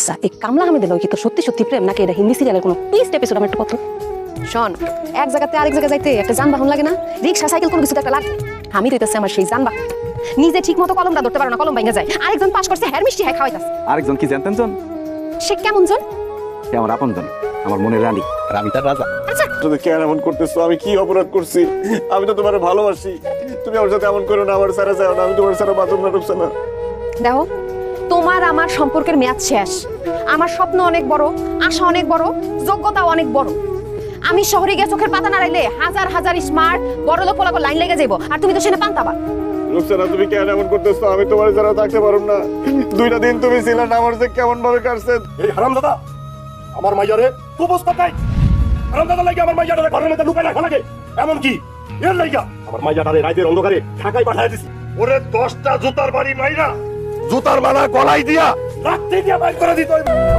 আচ্ছা এই কামলা আহমেদের লগে কি তোর সত্যি সত্যি প্রেম নাকি এটা হিন্দি সিরিয়ালের কোনো টুইস্ট এপিসোড আমার একটু পত্র শোন এক জায়গাতে আরেক জায়গায় যাইতে একটা যানবাহন লাগে না রিক্সা সাইকেল কোনো কিছু একটা লাগে আমি দিতেছে আমার সেই যানবাহন নিজে ঠিক মতো কলমটা ধরতে পারো না কলম ভাঙা যায় আরেকজন পাস করছে হ্যার মিষ্টি হ্যাঁ খাওয়াইতাছে আরেকজন কি জানতেন জন সে কেমন জন সে আমার আপন জন আমার মনের রানী আর আমি তার রাজা। আচ্ছা তুমি কেন এমন করতেছো? আমি কি অপরাধ করছি? আমি তো তোমার ভালোবাসি। তুমি আমার সাথে এমন করো না, আমার সারা যাও না, আমি তোমার সারা বাথরুম না ঢুকছে না। দেখো তোমার আমার সম্পর্কের মেয়াদ শেষ আমার স্বপ্ন অনেক বড় আশা অনেক বড় যোগ্যতাও অনেক বড় আমি শহরে গিয়ে চোখের পাতা নাড়াইলে হাজার হাজার স্মার্ট বড় লোক পোলাপো লাইন লেগে যাইবো আর তুমি তো সেটা পান্তাবা রুকসানা তুমি কেন এমন করতেছো? আমি তোমার ছাড়া থাকতে পারব না। 2টা দিন তুমি ছিলে না, আমার যে কেমন ভাবে কাটছে। এই হারামজাদা আমার মাইয়ারে প্রপোজ করতাই হারামজাদা লাগি আমার মাইয়ারে ঘরের মধ্যে লুকাই রাখা লাগে এমন কি এর লাইগা আমার মাইয়াটারে রাতের অন্ধকারে ঢাকায় পাঠায় দিছি ওরে 10টা জুতার বাড়ি মাইরা জুতার মালা গলায় দিয়া রাত্রি দিয়া বাইর করে দিত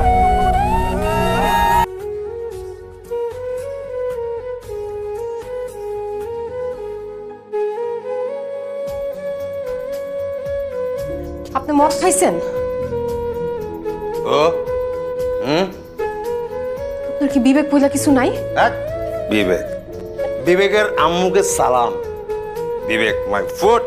আপনি মদ খাইছেন ও আপনার কি বিবেক বইলা কিছু নাই এক বিবেক বিবেকের আম্মুকে সালাম বিবেক মাই ফুট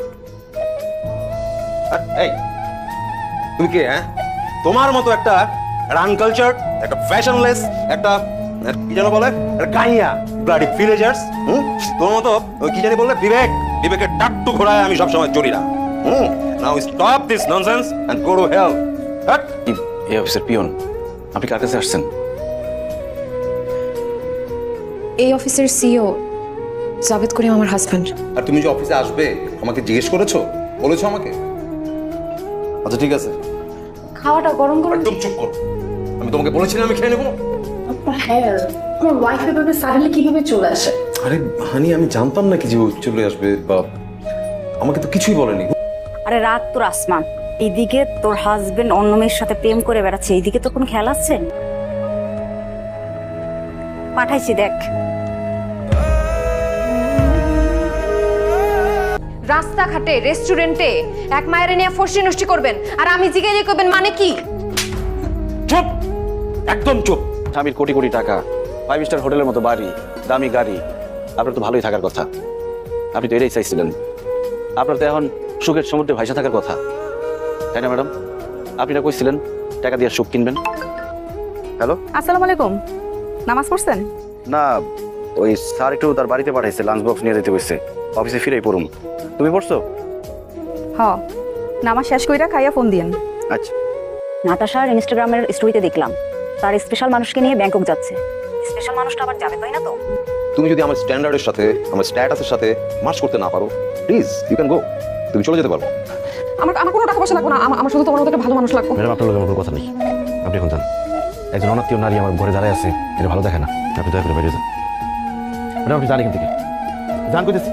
এই তুমি কে হ্যাঁ তোমার মতো একটা আনকালচার একটা ফ্যাশনলেস একটা কি যেন বলে একটা গাইয়া ব্লাডি ভিলেজার্স তোমার মতো ওই কি জানি বললে বিবেক বিবেকের টাট্টু ঘোড়ায় আমি সবসময় চড়ি না now stop this nonsense and go to hell এই অফিসের পিয়ন আপনি কার কাছে আসছেন? এই অফিসের সিইও জাভেদ করিম আমার হাজবেন্ড আর তুমি যে অফিসে আসবে আমাকে জিজ্ঞেস করেছো বলেছো আমাকে আচ্ছা ঠিক আছে খাওয়াটা গরম গরম একদম চুপ করো আমি তোমাকে বলেছিলাম আমি খেয়ে নেবো হ্যাঁ আমার ওয়াইফ এভাবে সাডেনলি কিভাবে চলে আসে আরে হানি আমি জানতাম না কি যে ও চলে আসবে বা আমাকে তো কিছুই বলেনি। আরে রাত তোর আসমান এইদিকে তোর হাজবেন্ড অন্য মেয়ের সাথে প্রেম করে বেড়াচ্ছে এইদিকে তো কোনো খেয়াল আছে পাঠাইছি দেখ রাস্তাঘাটে রেস্টুরেন্টে এক মায়ের নিয়ে ফষ্টি নষ্টি করবেন আর আমি জিজ্ঞেস করবেন মানে কি চুপ একদম চুপ স্বামীর কোটি কোটি টাকা 5 স্টার হোটেলের মতো বাড়ি দামি গাড়ি আপনার তো ভালোই থাকার কথা আপনি তো এটাই চাইছিলেন আপনার তো এখন সুখের সমুদ্রে ভাইসা থাকার কথা তাই না ম্যাডাম আপনি না কইছিলেন টাকা দিয়ে সুখ কিনবেন হ্যালো আসসালামু আলাইকুম নামাজ পড়ছেন না ওই স্যার একটু তার বাড়িতে পাঠাইছে লাঞ্চ বক্স নিয়ে যেতে কইছে অফিসে ফিরেই পড়ুম তুমি পড়ছো হ নামাজ শেষ কইরা খাইয়া ফোন দিয়েন আচ্ছা নাতাশার ইনস্টাগ্রামের স্টোরিতে দেখলাম তার স্পেশাল মানুষকে নিয়ে ব্যাংকক যাচ্ছে স্পেশাল মানুষটা আবার যাবে তাই না তো তুমি যদি আমার স্ট্যান্ডার্ডের সাথে আমার স্ট্যাটাসের সাথে ম্যাচ করতে না পারো প্লিজ ইউ ক্যান গো তুমি চলে যেতে পারো। আমার আমার কোনো টাকা পয়সা লাগবে না আমার শুধু তোমার মতো একটা ভালো মানুষ লাগবে ম্যাডাম আপনার লোকের কোনো কথা নেই আপনি এখন যান একজন অনাত্মীয় নারী আমার ঘরে দাঁড়ায় আছে এটা ভালো দেখে না আপনি দয়া করে বেরিয়ে যান ম্যাডাম আপনি যান এখান থেকে যান কইতেছি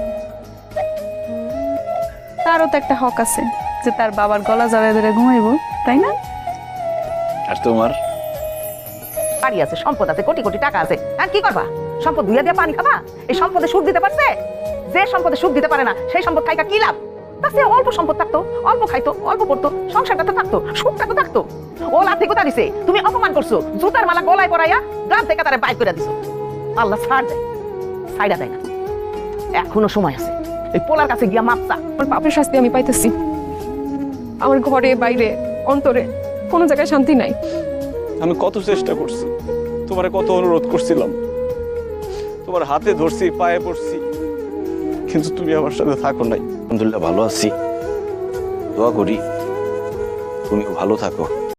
তারও তো একটা হক আছে যে তার বাবার গলা জড়ায় ধরে ঘুমাইবো তাই না আর তোমার বাড়ি আছে সম্পদ আছে কোটি কোটি টাকা আছে আর কি করবা সম্পদ ধুইয়া দিয়ে পানি খাবা এই সম্পদে সুখ দিতে পারছে যে সম্পদে সুখ দিতে পারে না সেই সম্পদ খাইকা কি লাভ তার চেয়ে অল্প সম্পদ থাকতো অল্প খাইতো অল্প পড়তো সংসারটা তো থাকতো সুখটা তো থাকতো ও লাথি কোথা দিছে তুমি অপমান করছো জুতার মালা গলায় পরাইয়া গ্রাম থেকে তারে বাইর করে দিছো আল্লাহ ছাড় দেয় ছাইড়া দেয় না এখনো সময় আছে এই পোলার কাছে গিয়া মাপসা আমার পাপের শাস্তি আমি পাইতেছি আমার ঘরে বাইরে অন্তরে কোনো জায়গায় শান্তি নাই আমি কত চেষ্টা করছি, তোমারে কত অনুরোধ করছিলাম, তোমার হাতে ধরছি, পায়ে পড়ছি, কিন্তু তুমি আমার সাথে থাকো নাই। আলহামদুলিল্লাহ ভালো আছি দোয়া করি তুমিও ভালো থাকো।